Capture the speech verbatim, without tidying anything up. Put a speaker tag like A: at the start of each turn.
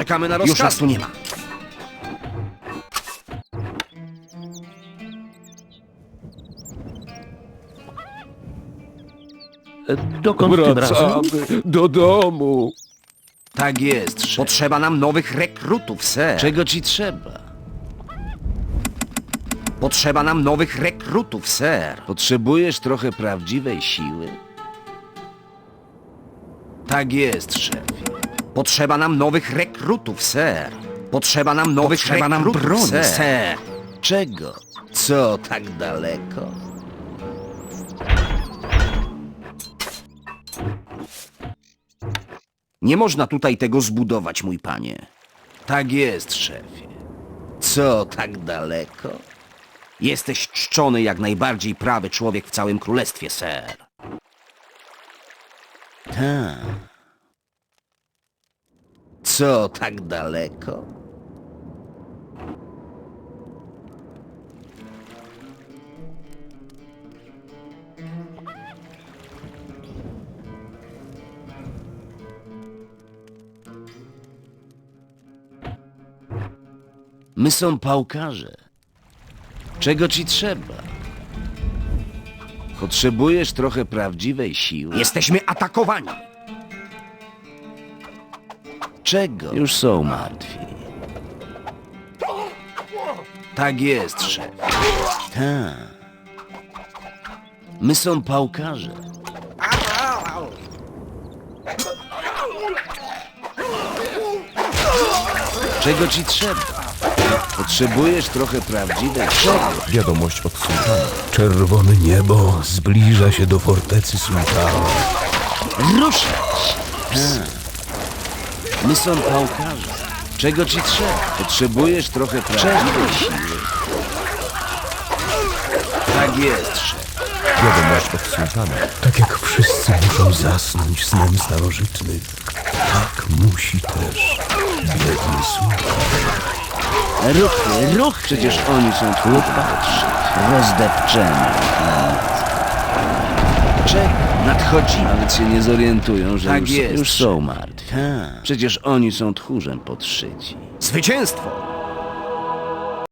A: Czekamy na rozkaz.
B: Już nas tu nie ma.
C: E, Dokąd tym razem?
D: Wracamy do domu.
A: Tak jest, szef.
B: Potrzeba nam nowych rekrutów, ser.
A: Czego ci trzeba?
B: Potrzeba nam nowych rekrutów, ser.
A: Potrzebujesz trochę prawdziwej siły? Tak jest, szefie.
B: Potrzeba nam nowych rekrutów, ser. Potrzeba nam nowych
A: Potrzeba nam
B: rekrutów,
A: broni,
B: ser.
A: ser. Czego? Co tak daleko?
B: Nie można tutaj tego zbudować, mój panie.
A: Tak jest, szefie. Co tak daleko?
B: Jesteś czczony jak najbardziej prawy człowiek w całym królestwie, ser.
A: Tak. Co tak daleko? My są pałkarze. Czego ci trzeba? Potrzebujesz trochę prawdziwej siły?
B: Jesteśmy atakowani.
A: Czego? Już są martwi. Tak jest, szef. Tak. My są pałkarze. Czego ci trzeba? Potrzebujesz trochę prawdziwej siły.
D: Wiadomość od sułtana. Czerwone niebo zbliża się do fortecy sułtana.
A: Ruszać! Tak. My są pałkarze. Czego ci trzeba? Potrzebujesz trochę prawdziwej siły. Tak jest, szef.
D: Wiadomość od sułtana. Tak jak wszyscy muszą zasnąć snem starożytnym, tak musi też biedny sułtan.
A: Ruchy, ruchy! Przecież oni są tu patrzy. Rozdepczeni. Czego? Nadchodzi. Nawet się nie zorientują, że
B: Tak
A: już,
B: jest.
A: już są martwi. Przecież oni są tchórzem podszyci.
B: Zwycięstwo!